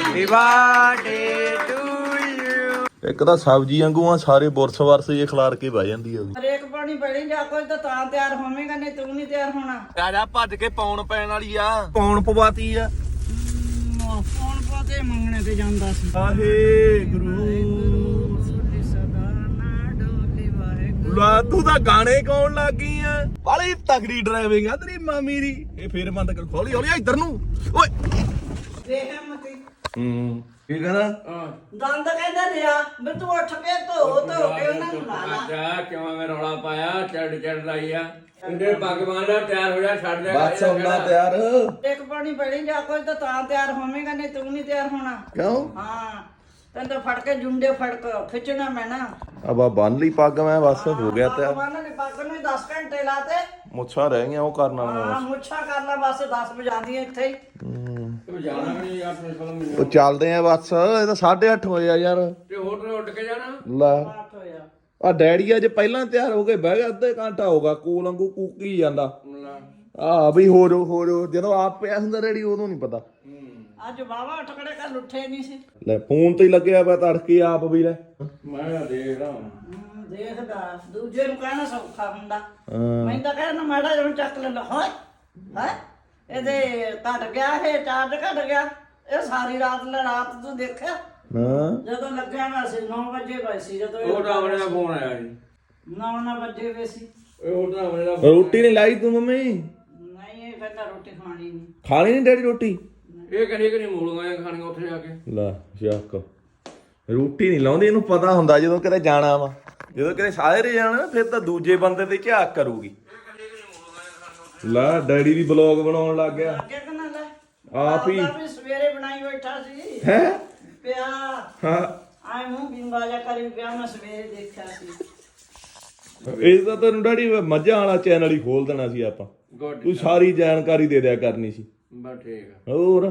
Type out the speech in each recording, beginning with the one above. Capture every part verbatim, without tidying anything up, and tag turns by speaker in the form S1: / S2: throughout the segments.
S1: Happy birthday to you.
S2: ਇੱਕ ਤਾਂ ਸਬਜ਼ੀ ਵਾਂਗੂ ਆ ਸਾਰੇ ਬੁਰਸ ਵਰਸ ਜੇ ਖਲਾਰ ਕੇ ਬਹਿ ਜਾਂਦੀ ਆ
S3: ਹਰੇਕ ਪਾਣੀ ਪੈਣੀ ਜਾ ਕੋਈ ਤਾਂ ਤਾਂ ਤਿਆਰ ਹੋਵੇਂਗਾ ਨਹੀਂ ਤੂੰ ਨਹੀਂ ਤਿਆਰ ਹੋਣਾ।
S2: ਆ ਜਾ ਭੱਜ ਕੇ ਪੌਣ ਪੈਣ ਵਾਲੀ ਆ ਪੌਣ ਪਵਾਤੀ ਆ
S3: ਫੋਨ ਪਾਤੇ ਮੰਗਣੇ ਤੇ ਜਾਂਦਾ ਸੀ।
S2: ਆਹੇ ਗੁਰੂ ਲਾ ਤੂੰ ਤਾਂ ਗਾਣੇ ਗਾਉਣ ਲੱਗ ਗਈ ਆ ਬਾਲੀ ਤਗੜੀ ਡਰਾਈਵਿੰਗ ਆ ਤੇਰੀ ਮਾਮੀ ਦੀ ਇਹ ਫੇਰ ਬੰਦ ਕਰ ਹੌਲੀ ਹੌਲੀ ਇੱਧਰ ਨੂੰ ਓਏ
S3: ਵੇਖ ਮਤੀ
S2: ਹੂੰ ਕੀ ਕਹਣਾ
S3: ਦੰਦ ਕਹਿੰਦਾ ਲਿਆ ਵੀ ਤੂੰ ਉੱਠ ਕੇ ਧੋ ਧੋ ਕੇ ਉਹਨਾਂ ਨੂੰ ਲਾ ਲਾ।
S1: ਜਾ ਕਿਉਂ ਮੈਂ ਰੌਲਾ ਪਾਇਆ ਚੜ ਚੜ ਲਾਈ ਆ ਇੰਦੇ ਭਗਵਾਨ ਦਾ ਤਿਆਰ ਹੋ ਜਾ ਛੱਡ ਦੇ
S2: ਬਸ ਹੁੰਦਾ ਤਿਆਰ
S3: ਇੱਕ ਪਾਣੀ ਪੈਣੀ ਜਾ ਕੋਈ ਤਾਂ ਤਾਂ ਤਿਆਰ ਹੋਵੇਂਗਾ ਨਹੀਂ ਤੂੰ ਨਹੀਂ ਤਿਆਰ ਹੋਣਾ।
S2: ਕਿਉਂ
S3: ਹਾਂ ਤੈਨੂੰ ਤਾਂ ਫੜ ਕੇ ਜੁੰਡੇ ਫੜ ਕੇ ਖਿੱਚਣਾ ਮੈਨਾਂ
S2: ਅਬਾ ਬੰਨ ਲਈ ਪੱਗ ਮੈਂ ਬਸ ਹੋ ਗਿਆ ਤਿਆਰ
S3: ਉਹਨਾਂ ਨੇ ਪੱਗ ਨੂੰ ਦਸ ਘੰਟੇ ਲਾਤੇ।
S2: ਮੁੱਛਾਂ ਰਹਿ ਗਈਆਂ ਉਹ ਕਰਨ ਵਾਲੀਆਂ
S3: ਹਾਂ ਮੁੱਛਾਂ ਕਰ ਲਾ ਬਸ ਦਸ ਵਜਾਦੀਆਂ ਇੱਥੇ ਹੀ।
S1: ਤੂੰ ਜਾਣਾ ਨਹੀਂ ਯਾਰ ਮੇਰੇ ਕੋਲ ਮੈਨੂੰ
S2: ਉਹ ਚੱਲਦੇ ਆ ਬਸ ਇਹ ਤਾਂ ਸਾਢੇ ਅੱਠ ਹੋਏ ਆ ਯਾਰ
S1: ਤੇ ਹੋਟਲ ਉੱਡ ਕੇ ਜਾਣਾ
S2: ਲੈ
S3: ਅੱਠ ਹੋਇਆ
S2: ਆ ਡੈਡੀ ਅੱਜ ਪਹਿਲਾਂ ਤਿਆਰ ਹੋ ਕੇ ਬਹਿ ਗਿਆ ਅੱਧੇ ਘੰਟਾ ਹੋਗਾ ਕੋਲ ਵਾਂਗੂ ਕੂਕੀ ਜਾਂਦਾ ਆ ਵੀ ਹੋ ਜੋ ਹੋ ਜੋ ਜਦੋਂ ਆਪ ਪਿਆ ਹੁੰਦਾ ਡੈਡੀ ਉਦੋਂ ਨਹੀਂ ਪਤਾ
S3: ਅੱਜ ਬਾਵਾ ਟਕੜੇ ਕਰ ਲੁੱਠੇ ਨਹੀਂ ਸੀ।
S2: ਲੈ ਫੋਨ ਤੇ ਹੀ ਲੱਗਿਆ ਪਿਆ ਤੜਕੇ ਆਪ ਵੀ ਲੈ
S1: ਮੈਂ ਦੇਖਦਾ
S3: ਹਮ, ਦੇਖਦਾ ਦੂਜੇ ਨੂੰ ਕਹਿਣਾ ਸੌਖਾ ਹੁੰਦਾ।
S2: ਹਾਂ
S3: ਮੈਂ ਤਾਂ ਕਹਿਣਾ ਮਾੜਾ ਜਿਹਾ ਚੱਕ ਲੈ ਲਾ ਹੋਏ ਹੈ ਇਹਦੇ ਘਟ ਗਿਆ ਇਹ ਚਾਰਜ ਘਟ ਗਿਆ ਇਹ ਸਾਰੀ ਰਾਤ ਲੈ ਰਾਤ ਤੂੰ ਦੇਖਿਆ
S2: ਹਾਂ
S3: ਜਦੋਂ ਲੱਗਿਆ ਮੈਂ ਸੀ ਨੌ ਵਜੇ ਪਏ ਸੀ ਜਦੋਂ
S1: ਉਹ ਡਰਾਵਣੇ ਦਾ ਫੋਨ ਆਇਆ ਜੀ
S3: ਨੌ ਨਾ ਵਜੇ ਵੇ ਸੀ।
S1: ਇਹ ਉਹ ਡਰਾਵਣੇ ਦਾ
S2: ਰੋਟੀ ਨਹੀਂ ਲਾਈ ਤੂੰ ਮੰਮੀ
S3: ਨਹੀਂ ਇਹ ਕਹਿੰਦਾ ਰੋਟੀ ਖਾਣੀ ਨਹੀਂ।
S2: ਖਾਣੀ ਨਹੀਂ ਡੈਡੀ ਰੋਟੀ
S1: ਇਹ ਕਰੀ ਕਰੀ ਮੂਲੀਆਂ ਖਾਣੀਆਂ ਉੱਥੇ ਜਾ ਕੇ
S2: ਲੈ ਸ਼ੱਕ ਰੋਟੀ ਨਹੀਂ ਲਾਉਂਦੀ ਇਹਨੂੰ ਪਤਾ ਹੁੰਦਾ ਜਦੋਂ ਕਿਤੇ ਜਾਣਾ ਵਾ ਜਦੋਂ ਕਿਤੇ ਸਾਰੇ ਜਾਣਾ ਫਿਰ ਤਾਂ ਦੂਜੇ ਬੰਦੇ ਤੇ ਝਾਕ ਕਰੂਗੀ ਲੈ ਡੈਡੀ ਵੀ ਬਲੌਗ ਬਣਾਉਣ ਲੱਗ ਗਿਆ
S3: ਅੱਗੇ ਕਨਾ ਲੈ
S2: ਆਪ ਹੀ
S3: ਆਪ ਹੀ ਸਵੇਰੇ ਬਣਾਈ ਬੈਠਾ ਸੀ
S2: ਹੈ
S3: ਪਿਆ
S2: ਹਾਂ
S3: ਆਏ ਮੂੰਹ ਬਿੰਬਾਜਾ ਕਰੀ ਪਿਆ ਮੈਂ ਸਵੇਰੇ ਦੇਖਿਆ ਸੀ।
S2: ਇਹ ਤਾਂ ਤੈਨੂੰ ਡੈਡੀ ਮੱਝਾਂ ਵਾਲਾ ਚੈਨਲ ਹੀ ਖੋਲ ਦੇਣਾ ਸੀ ਆਪਾਂ
S1: ਗੁੱਡ
S2: ਤੂੰ ਸਾਰੀ ਜਾਣਕਾਰੀ ਦੇ ਦਿਆ ਕਰਨੀ ਸੀ
S1: ਬਸ ਠੀਕ ਆ
S2: ਹੋਰ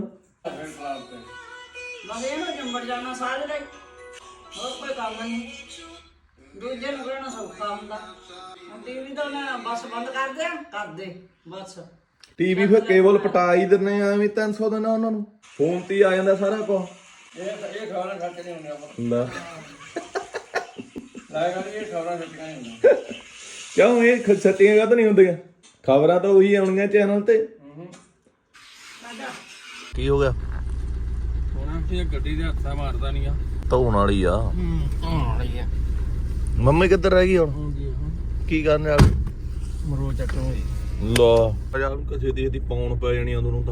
S3: ਬਸ ਇਹਨੂੰ ਜੰਬੜ ਜਾਣਾ ਸਾਰੇ ਦਾ ਹੋਰ ਕੋਈ ਕੰਮ ਨਹੀਂ ਦੂਜੇ ਨੂੰ ਕਹਿਣਾ ਸੌਖਾ ਹੁੰਦਾ। ਟੀਵੀ ਤਾਂ ਨਾ ਬਸ ਬੰਦ ਕਰ ਦੇ ਕਰ ਦੇ ਬਸ
S2: ਟੀਵੀ ਫਿਰ ਕੇਬਲ ਪਟਾ ਹੀ ਦਿੰਨੇ ਆ ਐਵੇਂ ਤਿੰਨ ਸੌ ਦੇਣਾ ਉਹਨਾਂ ਨੂੰ ਫੋਨ ਤੇ ਹੀ ਆ ਜਾਂਦਾ ਸਾਰਾ ਕੁਝ
S1: ਇਹ ਇਹ ਖਬਰਾਂ ਖੱਟ ਨਹੀਂ ਹੁੰਦੀਆਂ ਆਪਾਂ
S2: ਲੈ
S1: ਲਾਇਆ ਕਰ ਇਹ ਖਬਰਾਂ ਖੱਟੀਆਂ ਨਹੀਂ ਹੁੰਦੀਆਂ
S2: ਕਿਉਂ ਇਹ ਖ- ਛੱਤੀਆਂ ਕਦ ਨਹੀਂ ਹੁੰਦੀਆਂ ਖਬਰਾਂ ਤਾਂ ਉਹੀ ਆਉਣੀਆਂ ਚੈਨਲ ਤੇ ਕੀ ਹੋ ਗਿਆ
S1: ਹੁਣ ਇਹ ਗੱਡੀ ਦੇ ਹੱਥਾਂ ਮਾਰਦਾ ਨਹੀਂ ਆ
S2: ਧੋਣ ਵਾਲੀ ਆ
S1: ਹੂੰ ਧੋਣ ਵਾਲੀ ਆ
S2: ਮੰਮੀ ਕਿੱਧਰ ਰਹਿ ਗਈ ਹੁਣ ਕੀ ਕਰਨ ਵਾਲੀ
S1: ਮਰੋ ਚੱਟੋ ਹੋਈ
S2: ਲਾ ਯਾਰ ਕਿਸੇ ਦੀ ਇਹਦੀ ਪੌਣ ਪੈ ਜਾਣੀ ਉਦੋਂ ਨੂੰ ਤਾਂ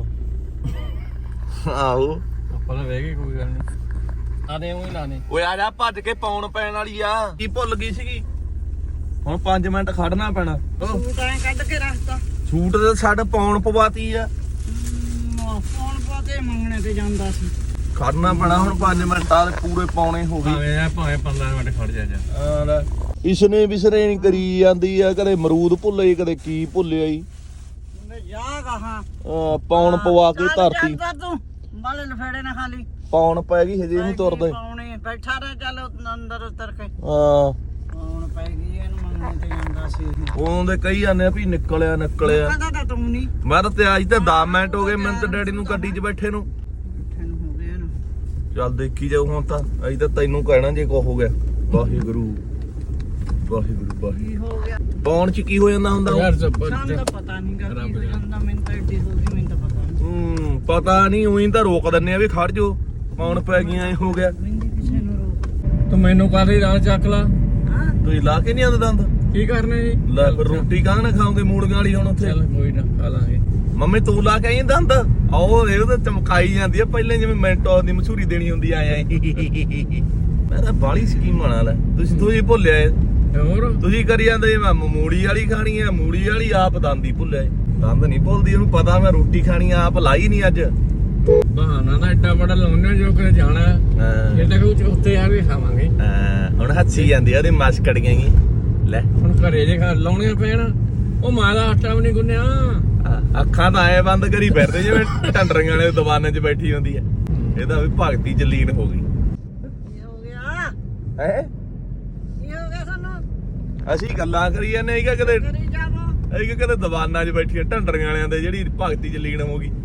S2: ਆਹੋ
S1: ਆਪਾਂ ਤਾਂ ਵੇਖ ਕੋਈ ਗੱਲ ਨਹੀਂ ਆ ਦੇ ਉਹੀ ਲਾਣੇ
S2: ਓਏ ਆ ਜਾ ਭੱਜ ਕੇ ਪੌਣ ਪੈਣ ਵਾਲੀ ਆ ਕੀ ਭੁੱਲ ਗਈ ਸੀਗੀ ਹੁਣ ਪੰਜ ਮਿੰਟ ਖੜਨਾ ਪੈਣਾ ਉਹ
S3: ਤੂੰ ਤਾਂ ਕੱਢ ਕੇ ਰੱਖਤਾ
S2: ਸੂਟ ਤੇ ਛੱਡ ਪੌਣ ਪਵਾਤੀ ਆ
S3: ਫੋਨ ਪਾਤੇ ਮੰਗਣੇ ਤੇ ਜਾਂਦਾ ਸੀ।
S2: ਖੜਨਾ ਪੈਣਾ ਹੁਣ ਪੰਜ ਮਿੰਟਾਂ ਦੇ ਪੂਰੇ ਪੌਣੇ ਹੋ ਗਏ
S1: ਭਾਵੇਂ ਭਾਵੇਂ ਪੰਦਰਾਂ ਮਿੰਟ ਖੜ ਜਾ ਜਾ
S2: ਆ ਲੈ ਇਸਨੇ ਵਿਸਰੇ ਨਹੀਂ ਕਰੀ ਜਾਂਦੀ ਆ ਕਦੇ ਅਮਰੂਦ ਭੁੱਲੇ ਕਦੇ ਕੀ ਭੁੱਲਿਆ ਈ
S3: ਮੈਂ ਜਾ ਕਹਾਂ
S2: ਆ ਪੌਣ ਪਵਾ ਕੇ ਧਰਤੀ
S3: ਤੂੰ ਬਾਲੇ ਲਫੇੜੇ ਨਾ ਖਾਲੀ
S2: ਪੌਣ ਪੈ ਗਈ ਹਜੇ ਨਹੀਂ ਤੁਰਦਾ
S3: ਪਾਉਣੇ ਬੈਠਾ ਰਹਿ ਚੱਲ ਅੰਦਰ ਉਤਰ ਕੇ
S2: ਹਾਂ
S3: ਪਾਉਣ ਪੈ ਗਈ ਇਹਨੂੰ ਮੰਗਣੇ ਤੇ ਜਾਂਦਾ ਸੀ ਇਹ
S2: ਉਹਦੇ ਕਹੀ ਜਾਂਦੇ ਆ ਵੀ ਨਿਕਲਿਆ ਨਿਕਲਿਆ
S3: ਪਤਾ ਤਾਂ ਤੂੰ ਨਹੀਂ
S2: ਮੈਂ ਤਾਂ ਤੇ ਅੱਜ ਤੇ ਦਸ ਮਿੰਟ ਹੋ ਗਏ ਮੈਨੂੰ ਤੇ ਡੈਡੀ ਨੂੰ ਗੱਡੀ 'ਚ ਬੈਠੇ ਨੂੰ
S3: ਬੈਠੇ ਨੂੰ ਹੋ ਗਿਆ ਨਾ
S2: ਚੱਲ ਦੇਖੀ ਜਾਊ ਹੁਣ ਤਾਂ ਅਸੀਂ ਤਾਂ ਤੈਨੂੰ ਕਹਿਣਾ ਜੇ ਕੋ ਹੋ ਗਿਆ ਵਾਹਿਗੁਰੂ ਵਾਹਿਗੁਰੂ ਵਾਹਿਗੁਰੂ
S3: ਕੀ ਹੋ ਗਿਆ
S2: ਪੌਣ 'ਚ ਕੀ ਹੋ ਜਾਂਦਾ ਹੁੰਦਾ
S1: ਯਾਰ
S3: ਸਾਨੂੰ ਤਾਂ ਪਤਾ ਨਹੀਂ ਗਾ ਕੀ ਹੋ ਜਾਂਦਾ ਮੈਨੂੰ ਤਾਂ ਐਡੀ ਹੋ ਗਈ ਮੈਨੂੰ ਤਾਂ ਪਤਾ ਨਹੀਂ
S2: ਹੂੰ ਪਤਾ ਨਹੀਂ ਉਹੀ ਤਾਂ ਰੋਕ ਦਿੰਨੇ ਆ ਵੀ ਖੜ ਜੋ ਪੌਣ ਪੈ ਗਈਆਂ ਐ ਹੋ ਗਿਆ
S3: ਮਹਿੰਦੀ ਕਿਸੇ ਨੂੰ ਰੋਕ
S1: ਤੂੰ ਮੈਨੂੰ ਕਾਹਦੀ ਰਾਹ ਚੱਕ ਲਾ
S3: ਹਾਂ
S2: ਤੁਸੀਂ ਲਾ ਕੇ ਨਹੀਂ ਆਉਂਦੇ ਦੰਦ
S1: ਕੀ ਕਰਨਾ ਜੀ
S2: ਲੈ ਫਿਰ ਰੋਟੀ ਕਾਹ ਨਾ ਖਾਓਗੇ ਮੂੜੀਆਂ ਵਾਲੀ ਹੁਣ ਉੱਥੇ
S1: ਚੱਲ ਕੋਈ ਨਾ ਖਾ ਲਾਂਗੇ
S2: ਮੰਮੀ ਤੂੰ ਲਾ ਕੇ ਆਈ ਦੰਦ ਆਓ ਇਹ ਤਾਂ ਚਮਕਾਈ ਜਾਂਦੀ ਆ ਪਹਿਲਾਂ ਜਿਵੇਂ ਮੈਂਟੋ ਦੀ ਮਸ਼ਹੂਰੀ ਦੇਣੀ ਹੁੰਦੀ ਆ ਐ ਮੈਂ ਤਾਂ ਬਾਲੀ ਸਕੀਮ ਬਣਾ ਲੈ ਤੁਸੀਂ ਤੁਸੀਂ ਭੁੱਲਿਆ ਏ।
S1: ਹੋਰ
S2: ਤੁਸੀਂ ਕਰੀ ਜਾਂਦੇ ਮੈਂ ਮੂੜੀ ਵਾਲੀ ਖਾਣੀ ਆ ਮੂੜੀ ਵਾਲੀ ਆਪ ਦੰਦ ਹੀ ਭੁੱਲਿਆ ਏ। ਦੰਦ ਨਹੀਂ ਭੁੱਲਦੀ ਉਹਨੂੰ ਪਤਾ ਮੈਂ ਰੋਟੀ ਖਾਣੀ ਆ ਆਪ ਲਾਈ ਨਹੀਂ ਅੱਜ
S1: ਬਹਾਨਾ ਤਾਂ ਐਡਾ ਬੜਾ ਲਾਉਣਾ ਜੋ ਕਿ ਜਾਣਾ
S2: ਹਾਂ
S1: ਇਹ ਤਾਂ ਕਿ ਉੱਤੇ ਆ ਵੀ ਖਾਵਾਂਗੇ
S2: ਹਾਂ, ਹੁਣ ਹੱਸੀ ਜਾਂਦੀ ਆ ਉਹਦੀ ਮਸਕੜੀਆਂ ਹੀ ਲੈ
S1: ਹੁਣ ਘਰੇ ਜੇ ਖਾ ਲਾਉਣੀਆਂ ਪੈਣ ਉਹ ਮਾਂ ਦਾ ਆਟਾ ਵੀ ਨਹੀਂ ਗੁੰਨਿਆ
S2: ਆ, ਅੱਖਾਂ ਤਾਂ ਐ ਬੰਦ ਕਰੀ ਫਿਰਦੇ ਜਿਵੇਂ ਟੰਡਰੀਆਂ ਵਾਲੇ ਦੁਕਾਨਾਂ 'ਚ ਬੈਠੀ ਹੁੰਦੀ ਆ ਇਹਦਾ ਵੀ ਭਗਤੀ ਚ ਲੀਨ ਹੋ ਗਈ
S3: ਕੀ ਹੋ ਗਿਆ
S2: ਹੈ
S3: ਕੀ ਹੋ ਗਿਆ ਸਾਨੂੰ
S2: ਅਸੀਂ ਗੱਲਾਂ ਕਰੀ ਜਾਂਦੇ ਆ ਕਿ ਕਦੇ
S3: ਕਰੀ ਜਾਵੋ
S2: ਇਹ ਕਿ ਕਦੇ ਦੁਕਾਨਾਂ 'ਚ ਬੈਠੀ ਢੰਡਰੀਆਂ ਵਾਲਿਆਂ ਦੇ ਜਿਹੜੀ ਭਗਤੀ ਚ ਲੀਨ ਹੋ ਗਈ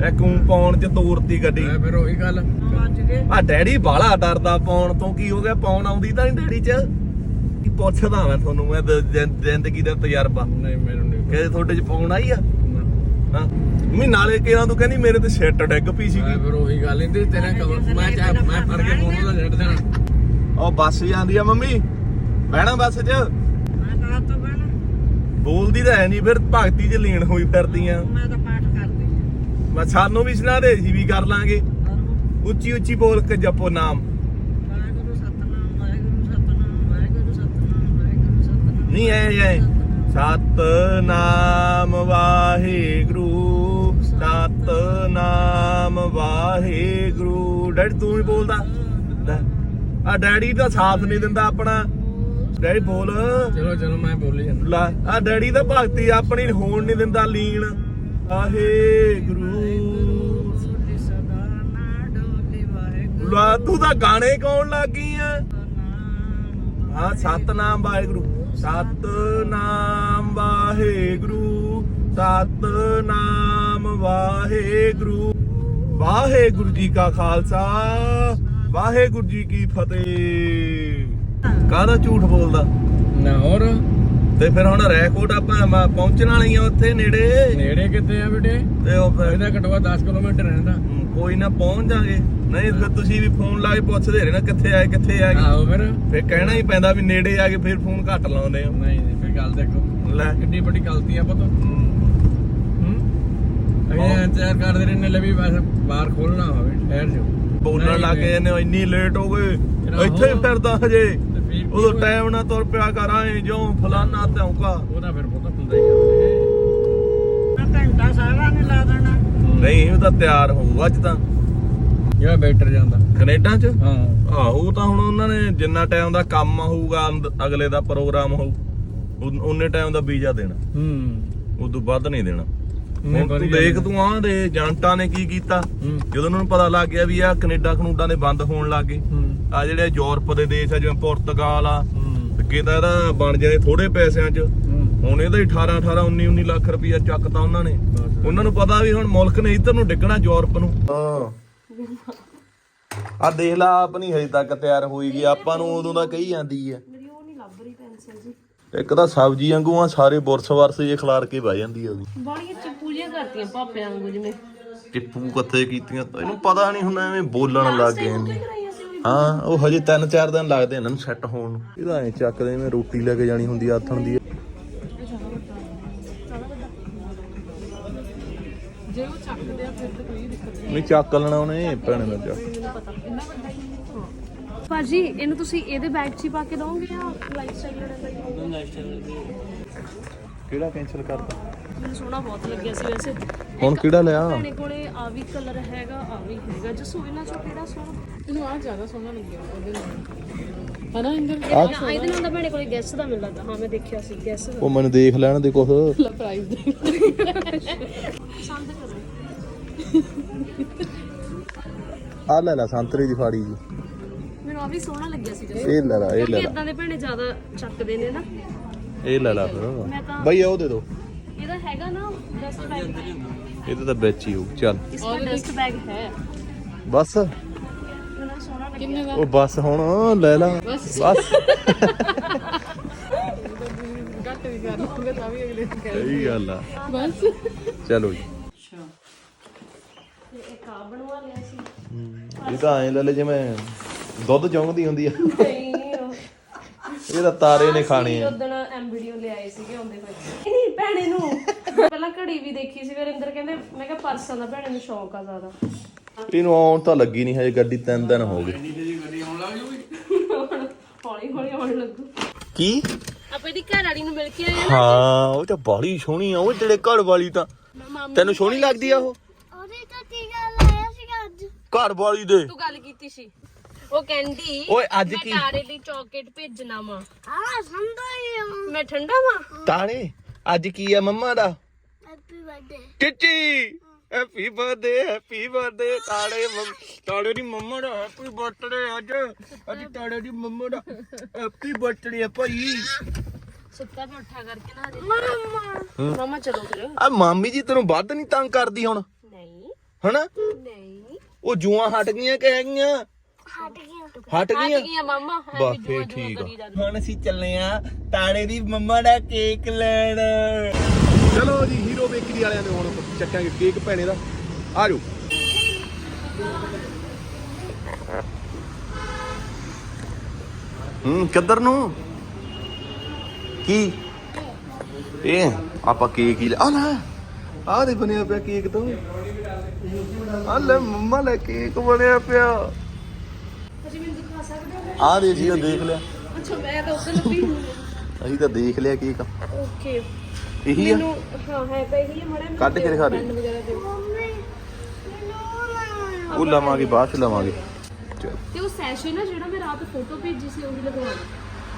S2: ਇਹ ਕੂੰ ਪਾਉਣ ਚ ਤੋਰਤੀ ਗੱਡੀ।
S1: ਮੈਂ ਫਿਰ ਉਹੀ ਗੱਲ
S3: ਵੱਜ ਗਏ
S2: ਆ ਡੈਡੀ ਬਾਹਲਾ ਡਰਦਾ ਪਾਉਣ ਤੋਂ। ਕੀ ਹੋ ਗਿਆ, ਪਾਉਣ ਆਉਂਦੀ ਤਾਂ ਨਹੀਂ ਡੈਡੀ ਚ? ਕੀ ਪੁੱਛਦਾ ਮੈਂ ਤੁਹਾਨੂੰ, ਮੈਂ ਦ- ਜ਼ਿੰ- ਜ਼ਿੰਦਗੀ ਦਾ ਤਜਰਬਾ
S1: ਨਹੀਂ ਮੈਨੂੰ ਨਹੀਂ
S2: ਕਿ ਤੁਹਾਡੇ ਚ ਪਾਉਣ ਆਈ ਆ। ਹਾਂ ਮੈਂ ਨਾਲੇ ਕਿਹਾ ਤੂੰ ਕਹਿੰਦੀ ਮੇਰੇ ਤੇ ਸ਼ਿੱਟ ਡਿੱਗ ਪਈ ਸੀਗੀ।
S1: ਮੈਂ ਫਿਰ ਉਹੀ ਗੱਲ ਨਹੀਂ ਤੇਰੇ ਕੋਲ ਮੈਂ ਚਾਹ ਮੈਂ ਫੜ ਕੇ ਫੋਨ ਉਹਦਾ ਛੱਡ ਦੇਣਾ।
S2: ਉਹ ਬੱਸ ਜਾਂਦੀ ਆ ਮੰਮੀ, ਬਹਿਣਾ ਬੱਸ 'ਚ।
S3: ਮੈਂ ਕਹਾ ਤਾਂ ਬਣਾ
S2: ਬੋਲਦੀ ਤਾਂ ਹੈ ਨਹੀਂ, ਫਿਰ ਭਗਤੀ 'ਚ ਲੀਨ ਹੋਈ ਫਿਰਦੀ ਆ।
S3: ਮੈਂ ਤਾਂ ਪਾਠ ਕਰਦੀ
S2: ਮੈਂ ਸਾਨੂੰ ਵੀ ਸੁਣਾ ਦੇ, ਅਸੀਂ ਵੀ ਕਰ ਲਾਂਗੇ।
S3: ਹਾਂ
S2: ਉੱਚੀ ਉੱਚੀ ਬੋਲ ਕੇ ਜਪੋ ਨਾਮ।
S3: ਵਾਹਿਗੁਰੂ ਸਤਨਾਮ ਵਾਹਿਗੁਰੂ ਸਤਨਾਮ ਵਾਹਿਗੁਰੂ ਸਤਨਾਮ ਵਾਹਿਗੁਰੂ ਸਤਨਾਮ
S2: ਨਹੀਂ ਐ ਐ ਸਤਨਾਮ ਵਾਹਿਗੁਰੂ ਸਤਨਾਮ ਵਾਹਿਗੁਰੂ। ਡੈਡੀ ਤੂੰ ਹੀ ਬੋਲਦਾ। ਲੈ, ਆ ਡੈਡੀ ਤਾਂ ਸਾਥ ਨਹੀਂ ਦਿੰਦਾ ਆਪਣਾ। ਡੈਡੀ ਬੋਲ।
S1: ਚਲੋ ਚਲੋ ਮੈਂ ਬੋਲੀ ਜਾਂਦਾ।
S2: ਲੈ ਆ ਡੈਡੀ ਤਾਂ ਭਗਤੀ ਆਪਣੀ ਹੋਣ ਨਹੀਂ ਦਿੰਦਾ ਲੀਨ। ਵਾਹਿਗੁਰੂ।
S3: ਡੋਲੀ ਸਦਾ ਨਾ ਡੋਲੀ ਵਾਹਿਗੁਰੂ
S2: ਲੈ ਤੂੰ ਤਾਂ ਗਾਣੇ ਗਾਉਣ ਲੱਗ ਗਈ ਆ।
S3: ਸਤਨਾਮ
S2: ਹਾਂ ਸਤਨਾਮ ਵਾਹਿਗੁਰੂ ਸਤਨਾਮ ਵਾਹਿਗੁਰੂ ਸਤਨਾਮ ਵਾਹਿਗੁਰੂ। ਵਾਹਿਗੁਰੂ ਜੀ ਕਾ ਖਾਲਸਾ ਵਾਹਿਗੁਰੂ ਜੀ ਕੀ ਫਤਿਹ। ਕਾਹਦਾ ਝੂਠ ਬੋਲਦਾ?
S1: ਨਾ ਹੋਰ
S2: ਤੇ ਫਿਰ ਹੁਣ ਰੈਕੋਟ ਆਪਾਂ ਮ- ਪਹੁੰਚਣ ਵਾਲੀ ਆ ਉੱਥੇ ਨੇੜੇ।
S1: ਨੇੜੇ ਕਿੱਥੇ ਆ ਬੇਟੇ?
S2: ਤੇ ਉਹ ਫਿਰ
S1: ਇਹਦਾ ਘਟਵਾ ਦਸ ਕਿਲੋਮੀਟਰ ਰਹਿੰਦਾ।
S2: ਕੋਈ ਨਾ ਪਹੁੰਚ ਜਾਗੇ। ਨਹੀਂ ਫਿਰ ਤੁਸੀਂ ਵੀ ਫੋਨ ਲਾ ਕੇ ਪੁੱਛਦੇ ਰਹਿਣਾ ਕਿੱਥੇ ਆਏ ਕਿੱਥੇ ਆ ਗਏ।
S1: ਆਹੋ ਫਿਰ
S2: ਫਿਰ ਕਹਿਣਾ ਹੀ ਪੈਂਦਾ ਵੀ ਨੇੜੇ ਆ ਕੇ ਫਿਰ ਫੋਨ ਘੱਟ ਲਾਉਂਦੇ ਆ।
S1: ਨਹੀਂ ਨਹੀਂ ਫਿਰ ਗੱਲ ਦੇਖੋ
S2: ਲੈ
S1: ਕਿੰਨੀ ਵੱਡੀ ਗਲਤੀ ਆ ਪਤਾ। ਹੂੰ ਅਸੀਂ ਇੰਤਜ਼ਾਰ ਕਰਦੇ ਰਹਿੰਦੇ ਲੈ ਵੀ ਬਸ ਬਾਹਰ ਖੋਲਣਾ ਹੋਵੇ ਠਹਿਰ ਜਾਓ।
S2: ਬੋਲਣ ਲੱਗ ਗਏ ਨੇ ਇੰਨੀ ਲੇਟ ਹੋ ਗਏ। ਇੱਥੇ ਹੀ ਫਿਰਦਾ ਹਜੇ।
S1: ਤੇ ਫਿਰ ਕੀ
S2: ਉਦੋਂ
S1: ਹੋਇਆ?
S2: ਟਾਈਮ ਨਾਲ ਤੁਰ ਪਿਆ ਕਰ ਆਏ ਜੋ ਫਲਾਨਾ ਧੌਂਕਾ।
S1: ਉਹਦਾ ਫਿਰ ਪਤਾ ਹੁੰਦਾ ਹੀ ਆ।
S3: ਮੈਂ ਘੰਟਾ ਸਾਰਾ ਨੇ ਲਾ ਦੇਣਾ
S2: ਨਹੀਂ ਉਹ ਤਾਂ ਤਿਆਰ ਹੋਊ ਅੱਜ ਤਾਂ
S1: ਜਿਹੜਾ ਬੈਟਰ ਜਾਂਦਾ
S2: ਕੈਨੇਡਾ ਚ।
S1: ਹਾਂ
S2: ਆਹੋ ਤਾਂ ਹੁਣ ਉਹਨਾਂ ਨੇ ਜਿੰਨਾ ਟਾਈਮ ਦਾ ਕੰਮ ਹੋਊਗਾ ਅੰਦ- ਅਗਲੇ ਦਾ ਪ੍ਰੋਗਰਾਮ ਹੋਊ ਉਨ- ਉਨੇ ਟਾਈਮ ਦਾ ਵੀਜ਼ਾ ਦੇਣਾ।
S1: ਹੂੰ
S2: ਉਦੋਂ ਵੱਧ ਨਹੀਂ ਦੇਣਾ।
S1: ਨਹੀਂ
S2: ਹੁਣ ਤੂੰ
S1: ਵਧੀਆ
S2: ਦੇਖ
S1: ਨੇ।
S2: ਤੂੰ ਆਹ ਦੇ ਏਜੰਟਾਂ ਨੇ ਕੀ ਕੀਤਾ
S1: ਹੂੰ
S2: ਜਦੋਂ ਉਹਨਾਂ ਨੂੰ ਪਤਾ ਲੱਗ ਗਿਆ ਵੀ ਆ ਕੈਨੇਡਾ ਕਨੂਡਾ ਦੇ ਬੰਦ ਹੋਣ ਲੱਗ ਗਏ।
S1: ਹੂੰ
S2: ਆ ਜਿਹੜੇ ਯੂਰਪ ਦੇ ਦੇਸ਼ ਆ ਜਿਵੇਂ ਪੁਰਤਗਾਲ ਆ,
S1: ਹੂੰ
S2: ਅੱਗੇ ਤਾਂ ਇਹਦਾ ਬਣ ਜਾਣੇ ਥੋੜੇ ਪੈਸਿਆਂ 'ਚ।
S1: ਹੂੰ
S2: ਹੁਣ ਇਹਦਾ ਹੀ ਅਠਾਰਾਂ ਅਠਾਰਾਂ ਉੱਨੀ ਉੱਨੀ ਲੱਖ ਰੁਪਇਆ ਚੱਕਤਾ ਉਹਨਾਂ ਨੇ। ਉਹਨਾਂ ਨੂੰ ਪਤਾ ਵੀ ਹੁਣ ਮੁਲਕ ਨੇ ਇੱਧਰ ਨੂੰ ਡਿੱਗਣਾ ਯੂਰਪ ਨੂੰ। ਹਾਂ ਆ ਦੇਖ ਲਾ ਆਪ ਨਹੀਂ ਹਜੇ ਤੱਕ ਤਿਆਰ ਹੋਈ ਗਈ। ਆਪਾਂ ਨੂੰ ਉਦੋਂ ਦਾ ਕਹੀ ਜਾਂਦੀ ਆ।
S4: ਮੇਰੀ ਉਹ ਨਹੀਂ ਲੱਭ ਰਹੀ ਪੈਨਸਲ ਜੀ।
S2: ਇੱਕ ਤਾਂ ਸਬਜ਼ੀ ਵਾਂਗੂ ਆ ਸਾਰੇ ਬੁਰਸ ਵਰਸ ਜੇ ਖਿਲਾਰ ਕੇ ਬਹਿ ਜਾਂਦੀ ਆ ਉਹਦੀ।
S4: ਬਾਣੀਆਂ ਚਿਪੂਲੀਆਂ ਕਰਤੀਆਂ ਪਾਪਿਆਂ ਵਾਂਗੂ ਜਿਵੇਂ
S2: ਟਿੱਪੂ ਕੱਥੇ ਕੀਤੀਆਂ ਤਾਂ ਇਹਨੂੰ ਪਤਾ ਨਹੀਂ ਹੁੰਦਾ ਐਵੇਂ ਬੋਲਣ ਲੱਗ ਗਏ ਨੇ।
S4: ਕਰਾਈਆਂ ਸੀ ਉਹ
S2: ਹਾਂ ਉਹ ਹਜੇ ਤਿੰਨ ਚਾਰ ਦਿਨ ਲੱਗਦੇ ਇਹਨਾਂ ਨੂੰ ਸੈੱਟ ਹੋਣ ਨੂੰ। ਇਹਦਾ ਐ ਚੱਕਦੇ ਐਵੇਂ ਰੋਟੀ ਲੈ ਕੇ ਜਾਣੀ ਹੁੰਦੀ ਆਥਣ ਦੀ।
S4: ਜੇ ਉਹ ਚੱਕਦੇ ਆ ਫਿਰ ਤਾਂ ਕੋਈ ਦਿੱਕਤ ਨਹੀਂ।
S2: ਨਹੀਂ ਚੱਕ ਲੈਣਾ ਉਹਨੇ ਭੈਣੇ ਦਾ ਚੱਕ।
S4: ਮੈਨੂੰ ਪਤਾ ਇੰਨਾ ਵੱਡਾ ਹੀ ਨਹੀਂ। ਭਾਜੀ ਇਹਨੂੰ ਤੁਸੀਂ ਇਹਦੇ ਬੈਗ 'ਚ ਹੀ ਪਾ ਕੇ ਦੋਗੇ ਜਾਂ ਲਾਈਫ ਸਟਾਈਲ ਵਾਲਾ ਹੀ?
S2: ਕਿਹੜਾ ਕੈਂਸਲ ਕਰਤਾ?
S4: ਮੈਨੂੰ ਸੋਹਣਾ ਬਹੁਤ ਲੱਗਿਆ ਸੀ ਵੈਸੇ।
S2: ਹੁਣ ਕਿਹੜਾ ਲਿਆ?
S4: ਭੈਣੇ ਕੋਲੇ ਆ ਵੀ ਕਲਰ ਹੈਗਾ ਆ ਵੀ ਹੈਗਾ। ਜਸੋ ਇਹਨਾਂ ਚੋਂ ਕਿਹੜਾ ਸੋਹਣਾ?
S5: ਤੈਨੂੰ ਆ ਜ਼ਿਆਦਾ ਸੋਹਣਾ ਲੱਗਿਆ ਉਹਦੇ ਨਾਲ ਹਨਾ ਇੰਦਰ
S4: ਹਾਂ ਇਹਦੇ ਨਾਲ ਤਾਂ ਭੈਣੇ ਕੋਲੇ ਗੈਸ ਦਾ ਮਿਲ ਲੱਗਦਾ। ਹਾਂ ਮੈਂ ਦੇਖਿਆ ਸੀ ਗੈਸ ਦਾ।
S2: ਉਹ ਮੈਨੂੰ ਦੇਖ ਲੈਣ ਦੇ ਕੁਛ।
S5: ਲਾ ਪ੍ਰਾਈਸ ਦੇ
S4: ਪਸੰਦ ਕਰੋ।
S2: ਆ ਲੈ ਲੈ ਸੰਤਰੀ ਦੀ ਫਾੜੀ ਜੀ।
S4: ਮੈਨੂੰ ਆ ਵੀ ਸੋਹਣਾ ਲੱਗਿਆ ਸੀ ਜਸੋ।
S2: ਇਹ ਲੈ ਲੈ ਇਹ ਲੈ ਲੈ
S4: ਇਦਾਂ ਦੇ ਭੈਣੇ ਜ਼ਿਆਦਾ ਚੱਕਦੇ ਨੇ ਨਾ।
S2: ਇਹ ਲੈ ਲੈ
S4: ਮੈਂ
S2: ਫਿਰ
S4: ਤਾਂ-
S2: ਬਈ ਉਹ ਦੇ ਦੋ।
S4: ਇਹਦਾ ਹੈਗਾ ਨਾ ਡਸਟ ਬੈਗ।
S2: ਇਹਦੇ ਤਾਂ ਵਿੱਚ ਹੀ ਹੋਊ। ਚੱਲ
S4: इसका डस्ट बैग है।
S2: ਬਸ
S4: ਮੈਨੂੰ ਸੋਹਣਾ ਲੱਗਿਆ।
S5: ਕਿੰਨੇ ਦਾ
S2: ਉਹ ਬਸ ਹੁਣ ਲੈ ਲਾ ਬਸ।
S5: ਘੱਟ ਵੀ ਕਰ ਲੂੰਗਾ ਤਾਂ ਵੀ ਅਗਲੇ ਨੂੰ ਕਹਿ
S2: ਸਹੀ ਗੱਲ ਆ।
S5: ਬਸ
S2: ਚਲੋ ਜੀ।
S3: ਅੱਛਾ
S4: ਤੇ ਇੱਕ ਆ ਬਣਵਾ ਲਿਆ ਸੀ।
S2: ਇਹ ਤਾਂ ਐ ਲੈ ਲੈ ਜਿਵੇਂ ਦੁੱਧ ਚੌਂਕਦੀ ਹੁੰਦੀ ਆ।
S4: ਨਹੀਂ ਉਹ
S2: ਇਹ ਤਾਂ ਤਾਰੇ ਨੇ ਖਾਣੇ ਆ।
S4: ਉਦੋਂ ਐਮ ਵੀਡੀਓ ਲਿਆਏ ਸੀਗੇ ਆਉਂਦੇ ਹੋਏ। ਨਹੀਂ ਭੈਣੇ ਨੂੰ ਪਹਿਲਾਂ ਘੜੀ ਵੀ ਦੇਖੀ ਸੀ। ਵਰਿੰਦਰ ਕਹਿੰਦੇ ਮੈਂ ਕਿਹਾ ਪਰਸਾਂ ਦਾ ਭੈਣੇ ਨੂੰ ਸ਼ੌਕ ਆ ਜ਼ਿਆਦਾ।
S2: ਇਹਨੂੰ ਆਉਣ ਤਾਂ ਲੱਗੀ ਨਹੀਂ ਹਜੇ ਗੱਡੀ ਤਿੰਨ ਦਿਨ ਹੋ ਗਏ।
S4: ਹੁਣ ਹੌਲੀ ਹੌਲੀ ਆਉਣ ਲੱਗੂ।
S2: ਕੀ?
S4: ਆਪਾਂ ਇਹਦੀ ਘਰ ਵਾਲੀ ਨੂੰ ਮਿਲ ਕੇ ਆਏ
S2: ਹਾਂ ਉਹ ਤਾਂ ਬਾਲੀ ਸੋਹਣੀ ਆ। ਉਹ ਜਿਹੜੇ ਘਰ ਵਾਲੀ ਤਾਂ
S4: ਆ।
S2: ਤੈਨੂੰ ਸੋਹਣੀ ਲੱਗਦੀ ਆ ਉਹ?
S4: ਉਹਦੇ ਤਾਂ ਟੀਕਾ ਲਾਇਆ ਸੀਗਾ ਅੱਜ।
S2: ਘਰ ਵਾਲੀ ਦੇ
S4: ਤੂੰ ਗੱਲ ਕੀਤੀ ਸੀ। ਉਹ ਕਹਿੰਦੀ
S2: ਓਏ ਅੱਜ
S4: ਮੈਂ
S2: ਕੀ
S4: ਤਾਰੇ ਲਈ ਚਾਕਲੇਟ ਭੇਜਣਾ ਵਾ। ਹਾਂ ਠੰਡਾ ਹੀ ਮੈਂ ਠੰਡਾ ਵਾ।
S2: ਤਾਣੇ ਅੱਜ ਕੀ ਆ ਮੰਮਾ ਦਾ?
S4: Happy birthday.
S2: ਟਿੱਚੀ ਹੈਪੀ ਬਰਥਡੇ ਹੈਪੀ ਬਰਥਡੇ ਤਾੜੇ ਮੰਮ ਤਾੜੇ ਦੀ ਮੰਮਾ ਦਾ ਹੈਪੀ ਬਰਥਡੇ ਅੱਜ। ਅੱਜ ਤਾੜੇ ਦੀ ਮੰਮਾ ਦਾ ਹੈਪੀ ਬਰਥਡੇ ਆ ਭਾਈ।
S4: ਸੁੱਤਾ ਮੈਂ ਉੱਠਾ ਕਰਕੇ ਨਾ ਮਮਾ ਮਮਾ ਚਲੋ ਫਿਰ।
S2: ਆ ਮਾਮੀ ਜੀ ਤੈਨੂੰ ਵੱਧ ਨਹੀਂ ਤੰਗ ਕਰਦੀ ਹੁਣ?
S4: ਨਹੀਂ
S2: ਹਨਾ
S4: ਨਹੀਂ
S2: ਉਹ ਜੂਆਂ ਹਟ ਗਈਆਂ ਕਿ ਹੈਗੀਆਂ
S6: ਹਟ ਗਿਆ
S2: ਹਟ ਗਈਆਂ
S4: ਗਈਆਂ ਮਾਮਾ
S2: ਬਸ ਫੇਰ ਠੀਕ ਆ ਹੁਣ ਅਸੀਂ ਚੱਲੇ ਆ ਤਾੜੇ ਦੀ ਮੰਮਾ ਦਾ ਕੇਕ ਲੈਣ ਚਲੋ ਜੀ ਹੀਰੋ ਬੇਕਰੀ ਵਾਲਿਆਂ ਨੇ ਹੁਣ ਚੱਕਾਂਗੇ ਕੇਕ ਭੈਣੇ ਦਾ ਆ ਜਾਓ ਹੂੰ ਕਿੱਧਰ ਨੂੰ ਕੀ ਇਹ ਆਪਾਂ ਕੇਕ ਹੀ ਲੈ ਆ ਲੈ ਆ ਦੇ ਬਣਿਆ ਪਿਆ ਕੇਕ ਤੋਂ ਆ ਲੈ ਮੰਮਾ ਲੈ ਕੇਕ ਬਣਿਆ ਪਿਆ
S4: ਅਜੀ ਮੈਨੂੰ ਦਿਖਾ ਸਕਦੇ ਹੋ
S2: ਆ ਦੇ ਜੀ ਉਹ ਦੇਖ ਲਿਆ
S4: ਅੱਛਾ ਮੈਂ ਤਾਂ ਉੱਧਰ ਲੱਭੀ
S2: ਅਸੀਂ ਤਾਂ ਦੇਖ ਲਿਆ ਕੇਕ
S4: ਓਕੇ
S2: ਇਹੀ ਆ
S4: ਮੈਨੂੰ ਹਾਂ ਹੈ ਤਾਂ ਇਹੀ ਹੈ ਮੜਾ
S2: ਕੱਢ ਕੇ ਦਿਖਾ ਦੇ
S4: ਵਗੈਰਾ ਦੇ
S2: ਉਹ ਲਵਾਂਗੇ ਬਾਅਦ ਚ ਲਵਾਂਗੇ ਚਲ
S4: ਤੇ ਉਹ ਸੈਸ਼ੇ ਨਾ ਜਿਹੜਾ ਮੈਂ ਰਾਤ ਫੋਟੋ ਭੇਜੀ ਸੀ ਉਹੀ ਲਗਵਾ ਦੇ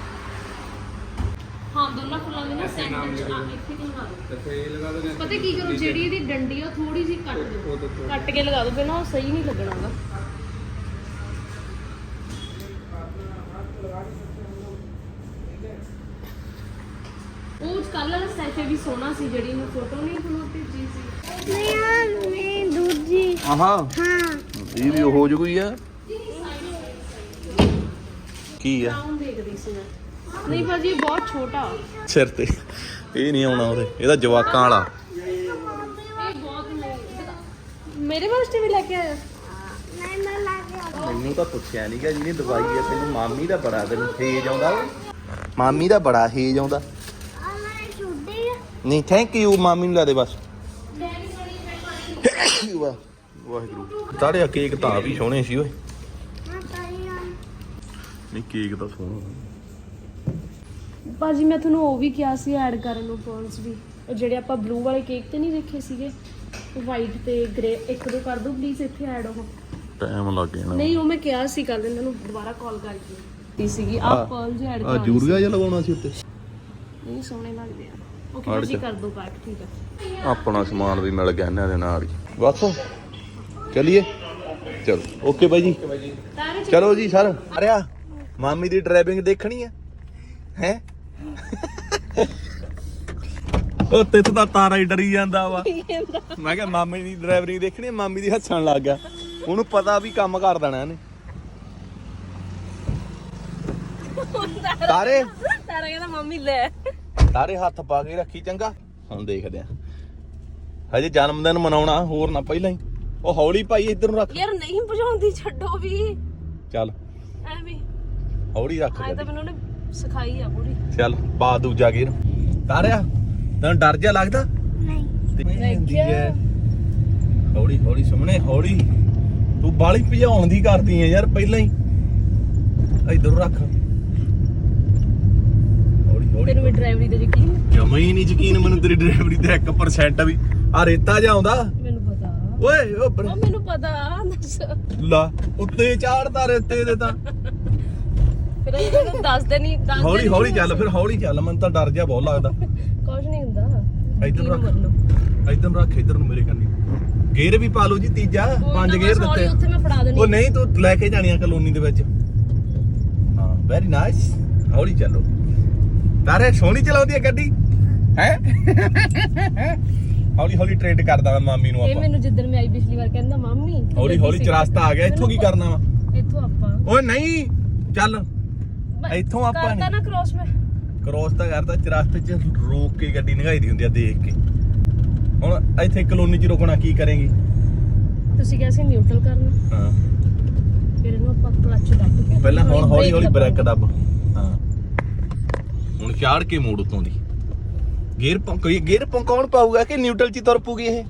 S4: ਹਾਂ ਦੋਨਾਂ ਫੁੱਲਾਂ ਦੇ ਨਾ ਸੈਂਟਰ ਚ ਆ ਇੱਥੇ ਹੀ ਲਗਾ ਦਿਓ ਪਤਾ ਕੀ ਕਰੋ ਜਿਹੜੀ ਇਹਦੀ ਡੰਡੀ ਆ ਥੋੜੀ ਜਿਹੀ ਕੱਟ ਦਿਓ ਕੱਟ ਕੇ ਲਗਾ ਦਿਓ ਫਿਰ ਨਾ ਉਹ ਸਹੀ ਨਹੀਂ ਲੱਗਣਾਗਾ ਉਹ ਕੱਲ ਵਾਲਾ ਸੈਸ਼ੇ ਵੀ ਸੋਹਣਾ ਸੀ ਜਿਹੜੀ ਮੈਂ ਫੋਟੋ ਨਹੀਂ ਤੁਹਾਨੂੰ ਭੇਜੀ ਸੀ
S6: ਮੈਂ ਮੈਂ ਦੂਜੀ
S2: ਆਹਾਂ
S6: ਹਾਂ
S2: ਇਹ ਵੀ ਹੋ ਜੂਗੀ ਆ ਕੀ ਆ
S4: ਆਉਂ ਦੇਖਦੀ ਸੀ ਮੈਂ ਨਹੀਂ ਭਾਜੀ ਇਹ ਬਹੁਤ ਛੋਟਾ
S2: ਸਿਰ ਤੇ ਇਹ ਨਹੀਂ ਆਉਣਾ ਉਹਦੇ ਇਹਦਾ ਜਵਾਕਾਂ ਵਾਲਾ
S4: ਇਹ ਬਹੁਤ ਨਹੀਂ ਮੇਰੇ ਵਾਸਤੇ ਵੀ ਲੈ ਕੇ ਆਇਆ
S6: ਮੈਂ ਮੈਂ ਲਾ ਕੇ ਆ
S2: ਮੈਨੂੰ ਤਾਂ ਪੁੱਛਿਆ ਨਹੀਂ ਕਿ ਜਿਹਨੇ ਦਵਾਈ ਆ ਤੈਨੂੰ ਮਾਮੀ ਦਾ ਬੜਾ ਤੈਨੂੰ ਹੇਜ ਆਉਂਦਾ ਓਏ ਮਾਮੀ ਦਾ ਬੜਾ ਹੇਜ ਆਉਂਦਾ
S6: ਆ ਮੈਂ ਛੁੱਟੀ
S2: ਨਹੀਂ ਥੈਂਕ ਯੂ ਮਾਮੀ ਨੂੰ ਲਾ ਦੇ ਬਸ ਵਾਹ ਵਾਹਿਗੁਰੂ ਤਾੜਿਆ ਕੇਕ ਤਾਂ ਵੀ ਸੋਹਣੇ ਸੀ ਓਏ
S6: ਹਾਂ ਤਾਈ ਆ
S2: ਨਹੀਂ ਕੇਕ ਤਾਂ ਸੋਹਣਾ
S4: ਭਾਜੀ ਮੈਂ ਤੁਹਾਨੂੰ ਉਹ ਵੀ ਕਿਹਾ ਸੀ ਐਡ ਕਰਨ ਨੂੰ ਪੌਂਸ ਵੀ ਉਹ ਜਿਹੜੇ ਆਪਾਂ ਬਲੂ ਵਾਲੇ ਕੇਕ ਤੇ ਨਹੀਂ ਦੇਖੇ ਸੀਗੇ ਵਾਈਟ ਤੇ ਗ੍ਰੇ ਇੱਕ ਦੋ ਕਰ ਦਿਓ ਪਲੀਜ਼ ਇੱਥੇ ਐਡ ਉਹ
S2: ਟਾਈਮ ਲੱਗ ਜਾਣਾ
S4: ਨਹੀਂ ਉਹ ਮੈਂ ਕਿਹਾ ਸੀ ਕੱਲ ਇਹਨਾਂ ਨੂੰ ਦੁਬਾਰਾ ਕਾਲ ਕਰਕੇ ਤੀ ਸੀਗੀ ਆ ਪਰਲ ਜੀ ਐਡ
S2: ਆ
S4: ਕਰਾ
S2: ਜੂਰੀਆ ਜਿਹਾ ਲਗਾਉਣਾ ਸੀ ਉੱਤੇ
S4: ਨਹੀਂ ਸੋਹਣੇ ਲੱਗਦੇ ਆ ਓਕੇ ਜੀ ਕਰ ਦੋ ਪੈਕ ਠੀਕ ਆ
S2: ਆਪਣਾ ਸਮਾਨ ਵੀ ਮਿਲ ਗਿਆ ਇਹਨਾਂ ਦੇ ਨਾਲ ਹੀ ਬਸ ਚਲਿਏ ਚਲੋ ਓਕੇ ਬਾਈ ਜੀ
S4: ਤਾਰੇ ਚ
S2: ਚਲੋ ਜੀ ਸਰ ਆ ਰਿਹਾ ਮਾਮੀ ਦੀ ਡਰਾਈਵਿੰਗ ਦੇਖਣੀ ਹੈ ਹੈ ਉਹ ਤਿੱਥ ਦਾ ਤਾਰਾ ਹੀ ਡਰੀ ਜਾਂਦਾ ਵਾ ਮੈਂ ਕਿਹਾ ਮਾਮੀ ਦੀ ਡਰਾਈਵਿੰਗ ਦੇਖਣੀ ਹੈ ਮਾਮੀ ਦੀ ਹੱਸਣ ਲੱਗ ਗਿਆ ਉਹਨੂੰ ਪਤਾ ਵੀ ਕੰਮ ਕਰ ਦੇਣਾ ਇਹਨੇ ਤਾਰੇ
S4: ਤਾਰਾ ਕਹਿੰਦਾ ਮੰਮੀ ਲੈ
S2: ਤਾਰੇ ਹੱਥ ਪਾ ਕੇ ਰੱਖੀ ਚੰਗਾ ਹੁਣ ਦੇਖਦੇ ਆ ਹਜੇ ਜਨਮ ਦਿਨ ਮਨਾਉਣਾ ਹੋਰ ਨਾ ਪਹਿਲਾਂ ਹੀ ਉਹ ਹੌਲੀ ਭਾਈ ਇੱਧਰ ਨੂੰ ਰੱਖ
S4: ਯਾਰ ਨਹੀਂ ਭਜਾਉਂਦੀ ਛੱਡੋ ਵੀ
S2: ਚੱਲ
S4: ਐਵੇਂ
S2: ਹੌਲੀ ਰੱਖ
S4: ਅੱਜ ਤਾਂ ਮੈਨੂੰ ਉਹਨੇ ਸਿਖਾਈ ਆ ਪੂਰੀ
S2: ਚੱਲ ਪਾ ਦੂਜਾ ਗੇਰ ਤਾਰਿਆ ਤੈਨੂੰ ਡਰ ਜਿਹਾ ਲੱਗਦਾ
S6: ਨਹੀਂ
S2: ਹੁੰਦੀ ਹੈ ਹੌਲੀ ਹੌਲੀ ਸੁਮਣੇ ਹੌਲੀ ਤੂੰ ਬਾਲੀ ਭਜਾਉਣ ਦੀ ਕਰਦੀ ਐ ਯਾਰ ਪਹਿਲਾਂ ਹੀ ਇੱਧਰ ਰੱਖ ਹੌਲੀ ਹੌਲੀ
S4: ਤੈਨੂੰ ਵੀ ਡਰਾਈਵਰੀ ਤੇ ਯਕੀਨ
S2: ਜਮਾ ਹੀ ਨਹੀਂ ਯਕੀਨ ਮੈਨੂੰ ਤੇਰੀ ਡਰਾਈਵਰੀ ਤੇ ਇੱਕ ਪਰਸੈਂਟ ਵੀ ਆ ਰੇਤਾ ਜਿਹਾ ਆਉਂਦਾ
S4: ਮੈਨੂੰ ਪਤਾ
S2: ਓਏ ਉਹ ਬਰ-
S4: ਉਹ ਮੈਨੂੰ ਪਤਾ ਦੱਸ
S2: ਲਾ ਉੱਤੇ ਚਾੜਦਾ ਰੇਤੇ ਦੇ ਤਾਂ
S4: ਫਿਰ ਇਹ ਤਾਂ ਦੱਸ ਦੇ ਨਹੀਂ ਦੱਸ
S2: ਹੌਲੀ ਹੌਲੀ ਚੱਲ ਫਿਰ ਹੌਲੀ ਚੱਲ ਮੈਨੂੰ ਤਾਂ ਡਰ ਜਿਹਾ ਬਹੁਤ ਲੱਗਦਾ
S4: ਕੁਝ ਨਹੀਂ ਹੁੰਦਾ
S2: ਇੱਧਰ
S4: ਯਕੀਨ
S2: ਰੱਖ
S4: ਮੰਨ ਲਓ।
S2: ਇੱਧਰ ਨੂੰ ਰੱਖ ਇੱਧਰ ਨੂੰ ਮੇਰੇ ਕੰਨੀ ਗੇਅਰ ਵੀ ਪਾ ਲਓ ਜੀ ਤੀਜਾ
S4: ਕੋਈ
S2: ਪੰਜ
S4: ਨਾ
S2: ਗੇਅਰ
S4: ਬਸ ਹੌਲੀ
S2: ਦਿੱਤੇ
S4: ਉੱਥੇ ਮੈਂ ਫੜਾ ਦੇਣੀ
S2: ਉਹ ਨਹੀਂ ਤੂੰ ਲੈ ਕੇ ਜਾਣੀਆਂ ਕਲੋਨੀ ਦੇ ਵਿੱਚ ਹਾਂ ਵੈਰੀ ਨਾਈਸ ਹੌਲੀ ਚੱਲੋ ਤਾਰੇ ਸੋਹਣੀ ਚਲਾਉਂਦੀ ਹੈ ਗੱਡੀ ਹੈ ਹੌਲੀ ਹੌਲੀ ਟ੍ਰੇਡ ਕਰਦਾ ਮੈਂ ਮਾਮੀ ਨੂੰ
S4: ਇਹ
S2: ਆਪਾਂ
S4: ਮੈਨੂੰ ਜਿੱਦਣ ਮੈਂ ਆਈ ਪਿਛਲੀ ਵਾਰ ਕਹਿੰਦਾ ਮਾਮੀ
S2: ਹੌਲੀ ਹੌਲੀ ਚਰਸਤਾ ਆ ਗਿਆ ਇੱਥੋਂ ਕੀ ਕਰਨਾ ਵਾ
S4: ਇੱਥੋਂ ਆਪਾਂ
S2: ਓਏ ਨਹੀਂ ਚੱਲ ਇੱਥੋਂ ਆਪਾਂ
S4: ਕਰਤਾ
S2: ਨਹੀਂ
S4: ਨਾ ਕ੍ਰੋਸ ਮੈਂ
S2: ਕ੍ਰੋਸ ਤਾਂ ਕਰਦਾ ਚਰਸਤੇ 'ਚ ਰੋਕ ਕੇ ਗੱਡੀ ਨਿਗਾਈ ਦੀ ਹੁੰਦੀ ਆ ਦੇਖ ਕੇ ਹੁਣ ਇੱਥੇ ਕਲੋਨੀ 'ਚ ਰੁਕਣਾ ਕੀ ਕਰੇਂਗੀ
S4: ਤੁਸੀਂ ਕਿਹਾ ਸੀ ਨਿਊਟਰਲ ਕਰਨਾ
S2: ਹਾਂ
S4: ਫਿਰ ਇਹਨੂੰ ਆਪਾਂ ਕਲੱਚ ਦੱਬ ਕੇ
S2: ਪਹਿਲਾਂ ਹੁਣ ਹੌਲੀ ਹੌਲੀ
S4: brake
S2: ਬ੍ਰੇਕ ਦੱਬ ਹਾਂ ਹੁਣ ਚਾੜ ਕੇ ਮੋੜ ਉਤੋਂ ਦੀ ਗੇਅਰ ਪੰਕ ਕੋਈ ਗੇਅਰ ਪੰਕ ਕੌਣ ਪਾਊਗਾ ਕਿ ਨਿਊਟਰਲ 'ਚ ਹੀ ਤੁਰ ਪੂਗੀ ਇਹ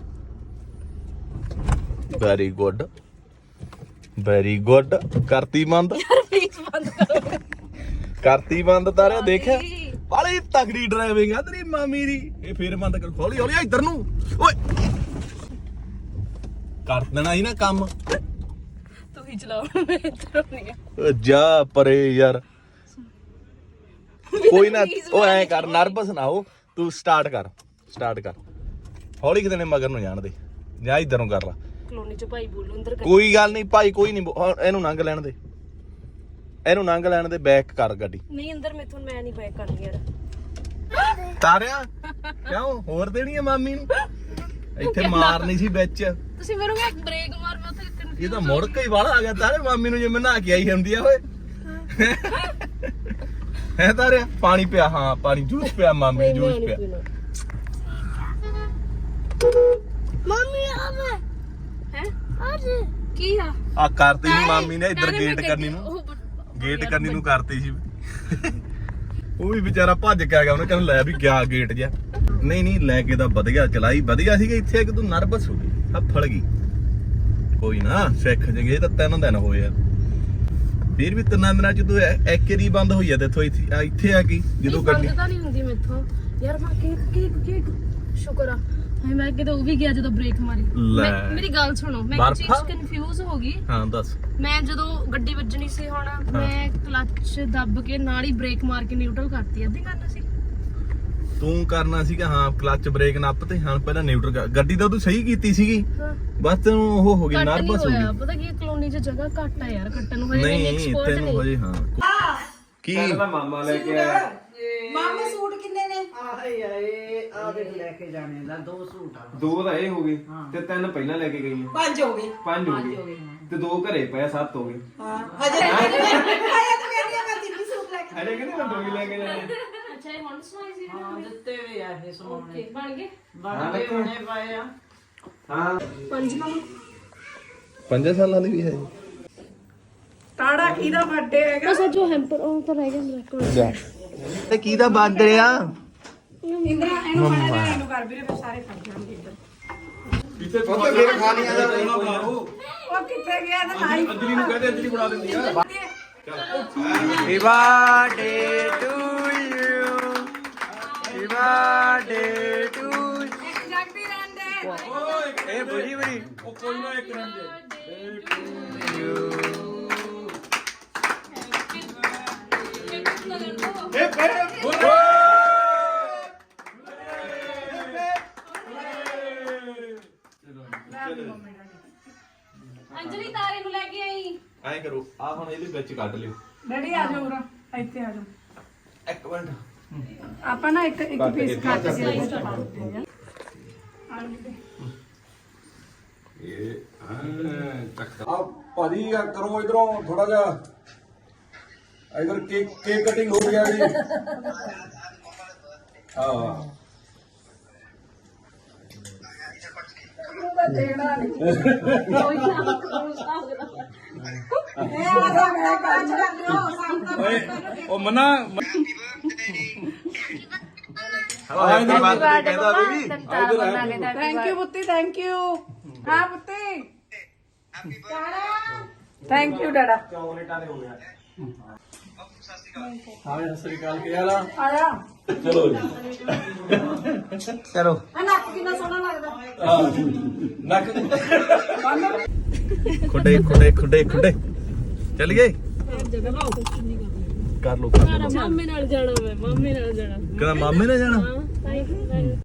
S2: ਵੈਰੀ ਗੁੱਡ ਵੈਰੀ ਗੁੱਡ ਕਰਤੀ ਬੰਦ
S4: ਪਲੀਜ਼ ਬੰਦ ਕਰੋ
S2: ਕਰਤੀ ਬੰਦ ਤਾਰਿਆ ਦੇਖਿਆ ਬਾਲੀ ਤਗੜੀ ਡਰਾਈਵਿੰਗ ਆ ਤੇਰੀ ਮਾਮੀ ਦੀ ਇਹ ਫੇਰ ਬੰਦ ਕਰ ਹੌਲੀ ਹੌਲੀ ਇੱਧਰ ਨੂੰ ਓਏ ਕਰ ਦੇਣਾ ਸੀ ਨਾ ਕੰਮ
S4: ਤੂੰ ਹੀ ਚਲਾਓ ਮੈਂ ਇੱਧਰ ਨਹੀਂ ਆ
S2: ਓ ਜਾ ਪਰੇ ਯਾਰ ਕੋਈ ਨਾ ਉਹ ਐ ਕਰ ਨਰਵਸ ਨਾ ਹੋ ਤੂੰ ਸਟਾਰਟ ਕਰ ਸਟਾਰਟ ਕਰ ਹੌਲੀ ਕਿਤੇ ਨੇ ਮਗਰ ਨੂੰ ਜਾਣ ਦੇ ਜਾਂ ਇੱਧਰ ਨੂੰ ਕਰ ਲਾ
S4: ਕਲੋਨੀ ਚ ਭਾਈ ਬੋਲੋ ਅੰਦਰ ਕਰ
S2: ਕੋਈ ਗੱਲ ਨਹੀਂ ਭਾਈ ਕੋਈ ਨਹੀਂ ਇਹਨੂੰ ਲੰਘ ਲੈਣ ਦੇ ਇਹਨੂੰ ਲੰਘ ਲੈਣ ਦੇ ਬੈਕ ਕਰ ਗੱਡੀ
S4: ਨਹੀਂ ਅੰਦਰ ਮੈਥੋਂ ਮੈਂ ਨਹੀਂ ਬੈਕ ਕਰਨੀ ਯਾਰ
S2: ਤਾਰਿਆ ਕਿਉਂ ਹੋਰ ਦੇਣੀ ਹੈ ਮਾਮੀ ਨੂੰ ਇੱਥੇ ਮਾਰਨੀ ਸੀ ਵਿੱਚ।
S4: ਤੁਸੀਂ ਮੈਨੂੰ ਕਿਹਾ ਬ੍ਰੇਕ ਮਾਰ, ਮੈਂ ਉੱਥੇ confuse
S2: ਇਹ ਤਾਂ ਮੁੜ ਕੇ ਹੀ ਵਾਲਾ ਆ ਗਿਆ ਤਾਰੇ ਮਾਮੀ ਨੂੰ ਜਿਵੇਂ ਨਹਾ ਕੇ ਆਈ ਹੁੰਦੀ ਆ ਓਏ। ਹੈ ਤਾਰੇ ਪਾਣੀ ਪਿਆ, ਹਾਂ ਪਾਣੀ ਜੂਸ ਪਿਆ ਮਾਮੀ
S4: ਨਹੀਂ,
S2: ਜੂਸ
S4: ਮੈਂ ਨਹੀਂ
S2: ਪਿਆ।
S4: ਪੀਣਾ।
S6: ਮੰਮੀ ਆਵੇ
S4: ਹੈਂ?
S6: ਅੱਜ
S4: ਕੀ ਆ?
S2: ਆ ਕਰਤੀ ਸੀ ਮਾਮੀ ਨੇ ਇੱਧਰ
S4: ਤਾਰੇ ਮੈਂ
S2: ਗੇਟ
S4: ਕਹਿ-
S2: ਕਰਨੀ ਨੂੰ,
S4: ਉਹ ਬ-
S2: ਗੇਟ ਕਰਨੀ ਨੂੰ ਕਰਤੀ ਸੀ। ਉਹ ਵੀ ਵਿਚਾਰਾ ਭੱਜ ਕੇ ਆ ਗਿਆ, ਉਹਨੇ ਕਹਿੰਦਾ ਲੈ ਵੀ ਗਿਆ ਗੇਟ ਜਿਹਾ। ਨਹੀਂ ਨਹੀਂ ਲੈ ਕੇ ਤਾਂ ਵਧੀਆ ਚਲਾਈ, ਵਧੀਆ ਸੀਗਾ। ਇੱਥੇ ਕਿ ਤੂੰ ਨਰਵਸ ਹੋ ਗਈ, ਹੱਫੜ ਗਈ। ਕੋਈ ਨਾ ਸਿੱਖ ਜਗੇ, ਇਹ ਤਾਂ ਤਿੰਨ ਦਿਨ ਹੋਏ ਆ। ਫਿਰ ਵੀ ਤਿੰਨਾਂ ਦਿਨਾਂ ਚ ਤੂੰ ਐਕਰੀ ਬੰਦ ਹੋਈ ਆ ਦੇਖੋ ਇੱਥੇ ਆ ਇੱਥੇ ਆ ਗਈ ਜਦੋਂ
S4: ਨਹੀਂ,
S2: ਗੱਡੀ
S4: ਬੰਦ ਤਾਂ ਨਹੀਂ ਹੁੰਦੀ ਮੈਥੋਂ ਯਾਰ। ਮੈਂ ਕੇਕ ਕੇਕ ਕੇਕ ਸ਼ੁਕਰ ਆ ਹਾਏ, ਮੈਂ ਕਿਤੇ ਉਹ ਵੀ ਗਿਆ ਜਦੋਂ ਬ੍ਰੇਕ ਮਾਰੀ।
S2: ਲੈ।
S4: ਮੈਂ- ਮੇਰੀ ਗੱਲ ਸੁਣੋ, ਮੈਂ ਇੱਕ
S2: ਬਰਫ਼?
S4: ਚੀਜ਼ ਕਨਫਿਊਜ਼ ਹੋ ਗਈ।
S2: ਹਾਂ ਦੱਸ।
S4: ਮੈਂ ਜਦੋਂ ਗੱਡੀ ਵੱਜਣੀ ਸੀ ਹੁਣ, ਮੈਂ ਕਲੱਚ ਦੱਬ ਕੇ ਨਾਲ ਹੀ ਬ੍ਰੇਕ ਮਾਰ ਕੇ ਨਿਊਟਰਲ ਕਰਤੀ। ਅੱਧੀ ਕਰਨਾ ਸੀ
S2: ਤੂੰ ਕਰਨਾ ਸੀਗਾ, ਹਾਂ ਕਲੱਚ ਬ੍ਰੇਕ ਨੱਪ ਤੇ ਹਾਂ ਪਹਿਲਾਂ ਨਿਊਟਰਲ ਕਰ। ਗੱਡੀ ਤਾਂ ਤੂੰ ਸਹੀ ਕੀਤੀ ਸੀਗੀ,
S4: ਹਾਂ।
S2: ਬਸ ਤੈਨੂੰ ਉਹ ਹੋ ਗਈ
S4: ਕੱਟ ਨਹੀਂ
S2: ਨਰਵਸ ਹੋ
S4: ਹੋਇਆ।
S2: ਗਈ।
S4: ਪਤਾ ਕੀ ਕਲੋਨੀ 'ਚ ਜਗ੍ਹਾ ਘੱਟ ਆ ਯਾਰ, ਕੱਟਣ ਨੂੰ ਹਜੇ ਮੈਂ
S2: ਨਹੀਂ
S4: ਐਕਸਪਰਟ
S2: ਤੈਨੂੰ
S4: ਨਹੀਂ।
S2: ਹਜੇ ਹਾਂ ਕੀ
S1: ਕਹਿੰਦਾ ਮਾਮਾ ਲੈ ਕੇ ਆਇਆ।
S3: ਮਾਮੇ ਸੂਟ ਕਿੰਨੇ ਨੇ? ਆਹੇ ਆਏ ਆ ਦੇ ਲੈ ਕੇ ਜਾਣੇ ਦਾ ਦੋ ਸੂਟ ਆ।
S1: ਦੋ ਤਾਂ ਇਹ ਹੋ ਗਏ ਤੇ ਤਿੰਨ ਪਹਿਲਾਂ ਲੈ ਕੇ ਗਈਆਂ।
S3: ਪੰਜ ਹੋ ਗਏ।
S1: ਪੰਜ ਹੋ ਗਏ ਤੇ ਦੋ ਘਰੇ ਪਏ, ਸੱਤ ਹੋ ਗਏ।
S3: ਹਾਂ ਹਜੇ ਆਇਆ ਤਾਂ ਕਹਿੰਦੀ ਮੈਂ ਤਿੰਨ ਸੂਟ ਲੈ ਕੇ।
S1: ਅਰੇ ਕਹਿੰਦੇ ਮੈਂ ਦੋ ਹੀ ਲੈ ਕੇ ਜਾਣੇ।
S4: ਅੱਛਾ, ਇਹ ਹੁਣ ਸਵਾਈ ਸੀ
S3: ਹਾਂ ਦਿੱਤੇ ਵੀ ਆ ਇਹ ਸੋਹਣੇ
S4: ਓਕੇ, ਬਣ ਗਏ
S3: ਬਣ ਕੇ ਬਣੇ ਪਏ ਆ।
S1: ਹਾਂ
S4: ਪੰਜ ਮਾਮਾ।
S2: ਪੰਜਾਂ ਸਾਲਾਂ ਦੀ ਵੀ ਹੈ
S3: ਤਾੜਾ ਕਿਹਦਾ ਬਰਥਡੇ ਹੈਗਾ?
S4: ਬਸ ਜੋ ਹੈਂਪਰ ਉਹ ਤਾਂ ਰਹਿ ਗਿਆ ਮੇਰਾ ਕੋਲ।
S2: ਤੇ ਕੀ ਦਾ ਬਾਦ ਰਿਆ
S3: ਇੰਦਰਾ ਇਹਨੂੰ ਬਣਾ ਦੇ, ਇਹਨੂੰ ਕਰ ਵੀਰੇ ਫਿਰ ਸਾਰੇ ਖਾ ਜਾਣਗੇ ਇੱਧਰ।
S1: ਕਿਤੇ ਫੇਰ ਖਾ ਲਿਆ ਦਾ ਕੋਲਾ ਬਣਾਓ।
S3: ਉਹ ਕਿੱਥੇ ਗਿਆ ਤਾਂ ਆਈ
S1: ਅੰਜਲੀ ਨੂੰ ਕਹਦੇ ਅੰਜਲੀ ਬਣਾ ਦਿੰਦੀ ਆ।
S7: Happy birthday to you. Happy birthday to you.
S3: ਜਗਦੀ ਰਹਿੰਦੇ।
S7: Eh, budi budi.
S1: ਉਹ ਕੋਈ ਨਾ ਇੱਕ ਰੰਗ
S4: ਅੰਜਲੀ ਤਾਰੇ ਨੂੰ ਲੈ ਕੇ ਆਈ।
S2: ਐਂ ਕਰੋ ਆ ਹੁਣ ਇਹਦੇ ਵਿੱਚ ਕੱਢ ਲਿਓ
S3: ਡੈਡੀ ਆ ਜਾਓ ਉਰਾ, ਇੱਥੇ ਆ ਜਾਓ।
S2: ਇੱਕ ਮਿੰਟ।
S3: ਆਪਾਂ ਨਾ ਇੱਕ ਇੱਕ ਪੀਸ ਕੱਟ ਕੇ ਇਹਦੇ ਚ ਪਾ ਦਿੰਦੇ ਆ।
S8: ਆ ਭਾਜੀ ਆ ਕਰੋ ਇਧਰੋਂ ਥੋੜਾ ਜਿਹਾ ਇਧਰ ਕੇਕ ਕੇਕ ਕਟਿੰਗ ਹੋ ਗਿਆ ਜੀ। ਹਾਂ
S1: ਓਏ ਉਹ ਮਨਾ
S2: ਹੈਪੀ ਬਰਥਡੇ ਕਹਿੰਦਾ ਬੀਬੀ।
S3: ਥੈਂਕ ਯੂ ਪੁੱਤੀ, ਥੈਂਕ ਯੂ। ਹਾਂ ਪੁੱਤੀ ਥੈਂਕ ਯੂ ਡਾਡਾ।
S8: ਹਾਂ ਸਤਿ ਸ੍ਰੀ ਅਕਾਲ ਕੀ ਹਾਲ ਆ?
S3: ਆਇਆ
S2: ਚਲੋ ਜੀ
S7: Chalo.
S3: ਆ ਨੱਕ ਕਿੰਨਾ ਸੋਹਣਾ ਲੱਗਦਾ।
S2: ਨੱਕ ਖੁੱਡੇ ਖੁੱਡੇ ਖੁੱਡੇ ਖੁੱਡੇ ਚੱਲ ਗਏ ਕਰ ਲੋ ਕਰ ਲੋ
S4: ਮਾਮੇ ਨਾਲ ਜਾਣਾ, ਮੈਂ ਮਾਮੇ ਨਾਲ ਜਾਣਾ।
S2: ਕਹਿੰਦਾ ਮਾਮੇ ਨੇ ਜਾਣਾ
S4: ਹਾਂ, ਤਾਈ